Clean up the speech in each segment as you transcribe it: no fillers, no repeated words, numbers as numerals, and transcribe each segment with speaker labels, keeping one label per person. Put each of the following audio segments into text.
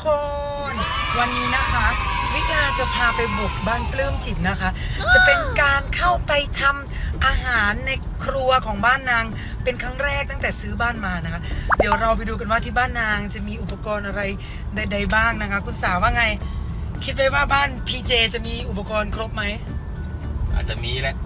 Speaker 1: คนวันนี้นะคะวิลาจะพาไปบุกบ้านปลื้มจิตนะคะจะเป็นการเข้าไปทำอาหารในครัวของบ้านนางเป็นครั้งแรกตั้งแต่ซื้อบ้านมานะคะเดี๋ยวเราไปดูกันว่าที่บ้านนางจะมีอุปกรณ์อะไรใดๆบ้างนะคะคุณสาวว่าไงคิดไว้ว่าบ้านพีเจจะมีอุปกรณ์ครบไหม
Speaker 2: อาจจะมีแหละ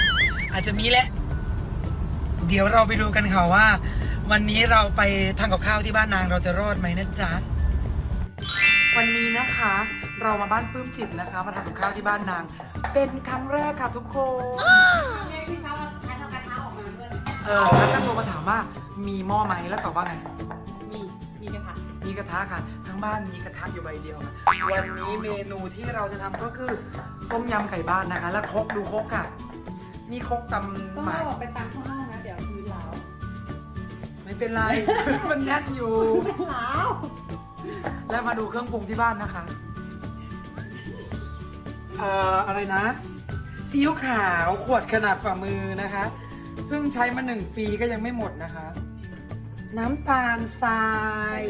Speaker 1: เดี๋ยวเราไปดูกันค่ะว่าวันนี้เราไปทำกับข้าวที่บ้านนางเราจะรอดไหมนะจ๊ะวันนี้นะคะเรามาบ้านปลื้มจิตนะคะมาทำกับข้าวที่บ้านนางเป็นครั้งแรกค่ะทุกคน
Speaker 3: พี่เช้าใช้ทำกระทะออกมาด้วย
Speaker 1: แล้วก็โทรมาถามว่ามีหม้อไหมแล้วตอบว่าไง
Speaker 3: มีกระทะ
Speaker 1: ค่ะทั้งบ้านมีกระทะอยู่ใบเดียวค่ะวันนี้เมนูที่เราจะทำก็คือต้มยำไก่บ้านนะคะแล้วครกดูครกค่ะนี่ครกตำ
Speaker 3: ต้อง
Speaker 1: หมาก
Speaker 3: ออกไปตำข้างนอกนะเดี๋ยวพื้นร้าว
Speaker 1: ไม่เป็นไร มันแน่นอยู่
Speaker 3: เป็นร้าว
Speaker 1: แล้วมาดูเครื่องปรุงที่บ้านนะคะอะไรนะซีอิ๊วขาวขวดขนาดฝ่ามือนะคะซึ่งใช้มา1 ปีก็ยังไม่หมดนะคะน้ำตาลทราย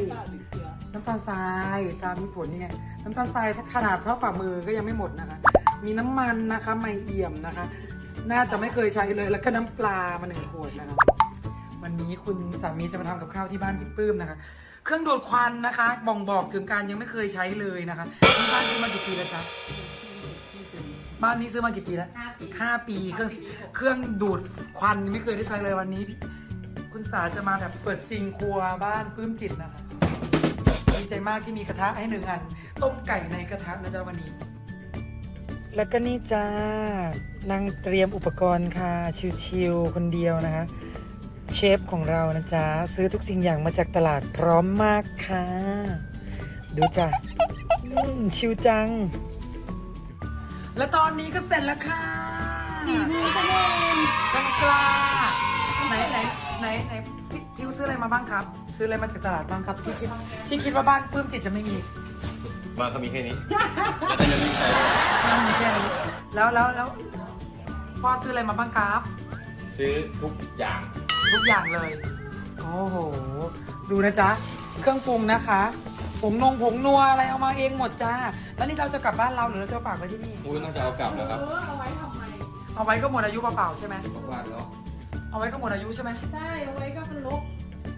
Speaker 1: ตามมีผลนี่ไงน้ำตาลทรายขนาดเท่าฝ่ามือก็ยังไม่หมดนะคะมีน้ำมันนะคะไม่เอี่ยมนะคะน่าจะไม่เคยใช้เลยแล้วก็น้ำปลามา1 ขวดนะคะวันนี้คุณสามีจะมาทำกับข้าวที่บ้านพี่ปื้มนะคะเครื่องดูดควันนะคะบ่งบอกถึงการยังไม่เคยใช้เลยนะคะที่บ้านซื้อมากี่ปีแล้วจ๊ะบ้านนี้ซื้อมากี่ปีแล้ว5 ปีเครื่องดูดควันไม่เคยได้ใช้เลยวันนี้คุณสาจะมาแบบเปิดซิงครัวบ้านปลื้มจิตนะคะดีใจมากที่มีกระทะให้1 อันต้มไก่ในกระทะนะจ๊ะวันนี้แล้วก็นี่จ้านั่งเตรียมอุปกรณ์ค่ะชิวๆคนเดียวนะคะเชฟของเรานะจ๊ะซื้อทุกสิ่งอย่างมาจากตลาดพร้อมมากค่ะดูจ้ะชิวจังและตอนนี้ก็เสร็จแล้วค่ะ
Speaker 3: ฝีมือฉันเอง
Speaker 1: ช่างกล้าไหนทิวซื้ออะไรมาบ้างครับซื้ออะไรมาจากตลาดบ้างครับที่คิดว่าบ้านปลื้มจิตจะไม่มี
Speaker 2: บ้านเขามีแค่นี้แล้วก็ยังไม่ใช้
Speaker 1: บ้านมีแค่นี้แล้วพ่อซื้ออะไรมาบ้างครับ
Speaker 2: ซื้อทุกอย่าง
Speaker 1: เลยโอ้โหดูนะจ๊ะเครื่องปรุงนะคะผงนัวอะไรเอามาเองหมดจ้าแล้วนี่เราจะกลับบ้านเราหรือเราจะฝากไว้ที่นี่
Speaker 2: น่าจะเอากลับแล้วครับ
Speaker 3: เอาไว้ทำไม
Speaker 1: เอาไว้ก็หมดอายุเปล่าๆใช่ไหม
Speaker 2: บ้านแล้ว
Speaker 1: เอาไว้ก็หมดอายุใช่ไหม
Speaker 3: ใช่เอาไว้ก็เป็นลบ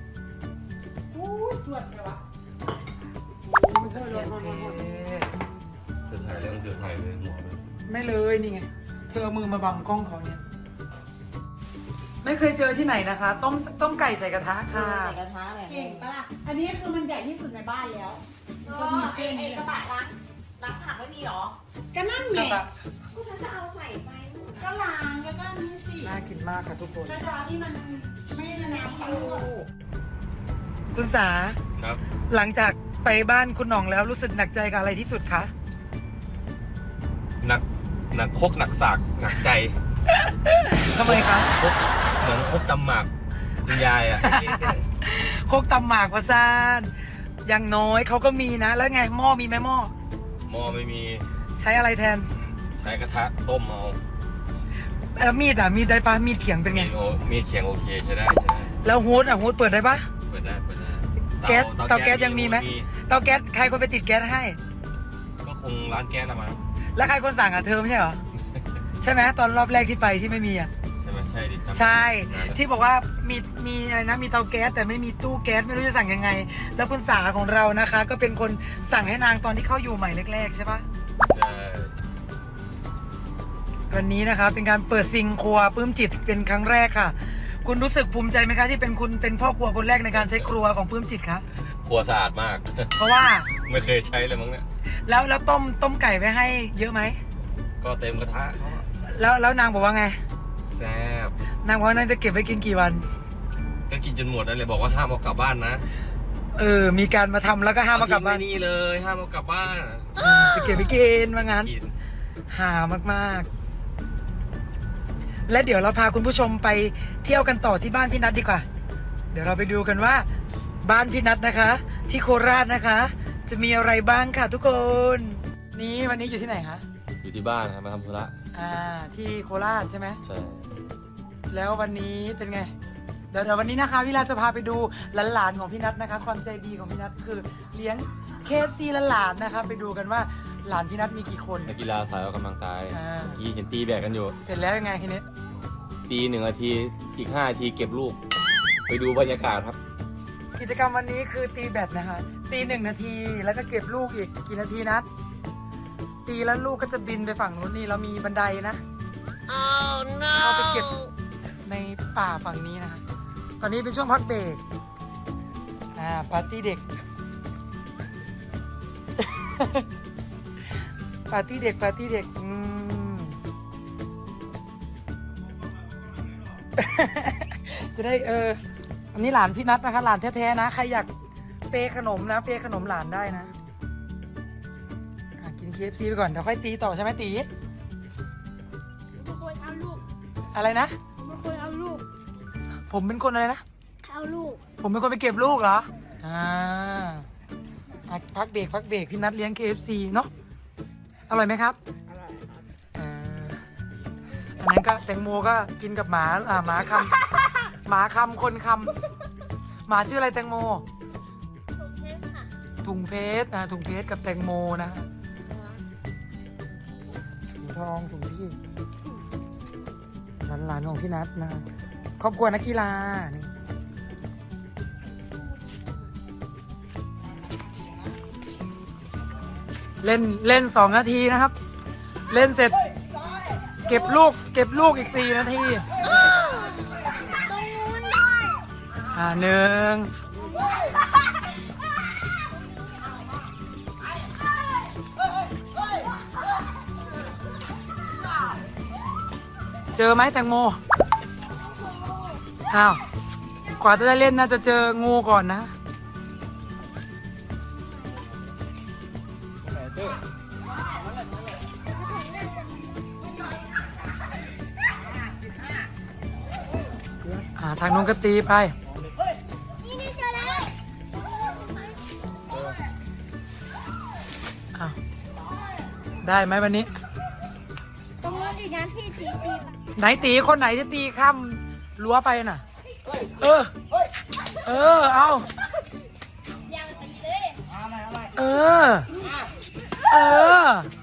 Speaker 3: จวดเลยวะ
Speaker 1: จะเสียเท
Speaker 2: เธอถ่ายแล้วเธอถ่ายเลยหัวเลย
Speaker 1: ไม่เลยนี่ไงเธอเอามือมาบังกล้องเขาเนี่ยไม่เคยเจอที่ไหนนะคะต้มไก่ใส่กระทะค่ะ
Speaker 3: ใส่กระทะเลยเก่งปะล่ะอันนี้คือมันใหญ่ที่สุดในบ้านแล้ว
Speaker 4: ไอ้กระบะล้างผักไม่มีหรอ
Speaker 3: ก็นั่นไง
Speaker 4: ก็ฉันจะเอาใส่ไป
Speaker 3: ก็ล้างแล้วก็นี่สิ
Speaker 1: น่ากินมากค่ะทุกคน
Speaker 3: กระดาษที่มันไม่ได้น้ำเขา
Speaker 1: คุณสา
Speaker 2: ครับ
Speaker 1: หลังจากไปบ้านคุณหน่องแล้วรู้สึกหนักใจกับอะไรที่สุดคะ
Speaker 2: หนักคกหนักสากหนักใจ
Speaker 1: ทำไมคะ
Speaker 2: เหมือนคกตำหมากคุณยายอ่ะ
Speaker 1: โคกตำหมากวะซานอย่างน้อยเขาก็มีนะแล้วไงหม้อมีไหมหม้
Speaker 2: อไม่มี
Speaker 1: ใช้อะไรแทน
Speaker 2: ใช้กระทะต้มเอา
Speaker 1: มีดได้ปะมีดเขียงเป็นไง
Speaker 2: มีดเขียงโอเคใช้ได้
Speaker 1: แล้วฮูดเปิดได้ปะ
Speaker 2: เปิดได้
Speaker 1: แก๊สเตาแก๊สยังมีไหมเตาแก๊สใครคนไปติดแก๊สให้
Speaker 2: ก็คงร้านแก๊สละมั้ง
Speaker 1: แล้วใครคนสั่งเธอไม่ใช่เหรอใช่ไหมตอนรอบแรกที่ไปที่ไม่มี
Speaker 2: ใช่ไหมใช่ดิ
Speaker 1: ใช่ที่บอกว่ามีอะไรนะมีเตาแก๊สแต่ไม่มีตู้แก๊สไม่รู้จะสั่งยังไงแล้วคุณสาของเรานะคะก็เป็นคนสั่งให้นางตอนที่เข้าอยู่ใหม่แรกๆใช่ปะ
Speaker 2: ใช่
Speaker 1: วันนี้นะคะเป็นการเปิดซิงครัวปลื้มจิตเป็นครั้งแรกค่ะคุณรู้สึกภูมิใจไหมคะที่เป็นพ่อครัวคนแรกในการใช้ครัวของปลื้มจิตคะ
Speaker 2: ครัวสะอาดมาก
Speaker 1: เพราะว่า
Speaker 2: ไม่เคยใช้เลยมั้งเนี่ย
Speaker 1: แล้วต้มไก่ไว้ให้เยอะไหม
Speaker 2: ก็เต็มกระทะ
Speaker 1: แล้วนางบอกว่าไง
Speaker 2: แซ่บ
Speaker 1: นางบอกว่านางจะเก็บไว้กินกี่วัน
Speaker 2: ก็กินจนหมดนั่นเลยบอกว่าห้ามเอากลับบ้านนะ
Speaker 1: มีการมาทำแล้วก็ห้ามเอากลับบ้าน
Speaker 2: นี่เลยห้ามเอากลับบ้าน
Speaker 1: จะเก็บไปกินว่างั้นหามากๆและเดี๋ยวเราพาคุณผู้ชมไปเที่ยวกันต่อที่บ้านพี่นัทดีกว่าเดี๋ยวเราไปดูกันว่าบ้านพี่นัทนะคะที่โคราชนะคะจะมีอะไรบ้างค่ะทุกคนนี่วันนี้อยู่ที่ไหนคะ
Speaker 2: อยู่ที่บ้านครับมาทำธุระ
Speaker 1: ที่โคราชใช่ไหม
Speaker 2: ใช่
Speaker 1: แล้ววันนี้เป็นไงเดี๋ยววันนี้นะคะวิลาจะพาไปดูหลานๆของพี่นัทนะคะความใจดีของพี่นัทคือเลี้ KFC และหลานนะครับไปดูกันว่าหลานพี่นัทมีกี่คน
Speaker 5: นักกีฬาสายออกกำลังกาย
Speaker 1: อ่า
Speaker 5: เมื่อกี้เห็นตีแบกกันอยู่
Speaker 1: เสร็จแล้วยังไงทีนี้
Speaker 5: ตี1 นาทีอีก5 นาทีเก็บลูก ไปดูบรรยากาศครับ
Speaker 1: กิจกรรมวันนี้คือตีแบตนะคะตี1 นาทีแล้วก็เก็บลูกอีกกี่นาทีนัดตีแล้วลูกก็จะบินไปฝั่งนู้นนี่เรามีบันไดนะเราไปเก็บในป่าฝั่งนี้นะคะตอนนี้เป็นช่วงพักเบรกปาร์ตี้เด็ก ปาร์ตี้เด็กจะได้อันนี้หลานพี่นัทนะคะหลานแท้ๆนะใครอยากเปย์ขนมนะเปย์ขนมหลานได้นะกิน KFC ไปก่อนเดี๋ยวค่อยตีต่อใช่ไหมตี
Speaker 6: ไม่ควรเอาลูก
Speaker 1: อะไรนะ
Speaker 6: ไม่ควรเอาลูก
Speaker 1: ผมเป็นคนอะไรนะ
Speaker 6: เอาลูก
Speaker 1: ผมเป็นคนไปเก็บลูกเหรอพักเบรกพี่นัทเลี้ยง KFC เนาะอร่อยไหมครับอร่อยครับอันนั้นก็แตงโมก็กินกับหมาหมาคำคนคำหมาชื่ออะไรแตงโม
Speaker 6: ถูกเช็คค่ะ
Speaker 1: ถุงเพชรถุงเพชรกับแตงโมนะฮะถุงทองถุงพี่หลานของพี่นัทนะครอบครัวนักกีฬานี่เล่น2 นาทีนะครับ เล่นเสร็จเก็บลูกอีก4 นาที
Speaker 6: ตรงนู้นด้วย
Speaker 1: 1เจอไหมแตงโมอ้าวกว่าจะได้เล่นน่าจะเจองูก่อนนะทางนู้นก็ตีไป
Speaker 6: นี่เจอแล้ว
Speaker 1: อ้าวได้ไหมวันนี้
Speaker 6: ตรงนู้นอีกนะที่ตีไป
Speaker 1: ไหนตีคนไหนจะตีข้ามรั้วไปน่ะ เอา
Speaker 6: ยังตีเลย
Speaker 1: เออ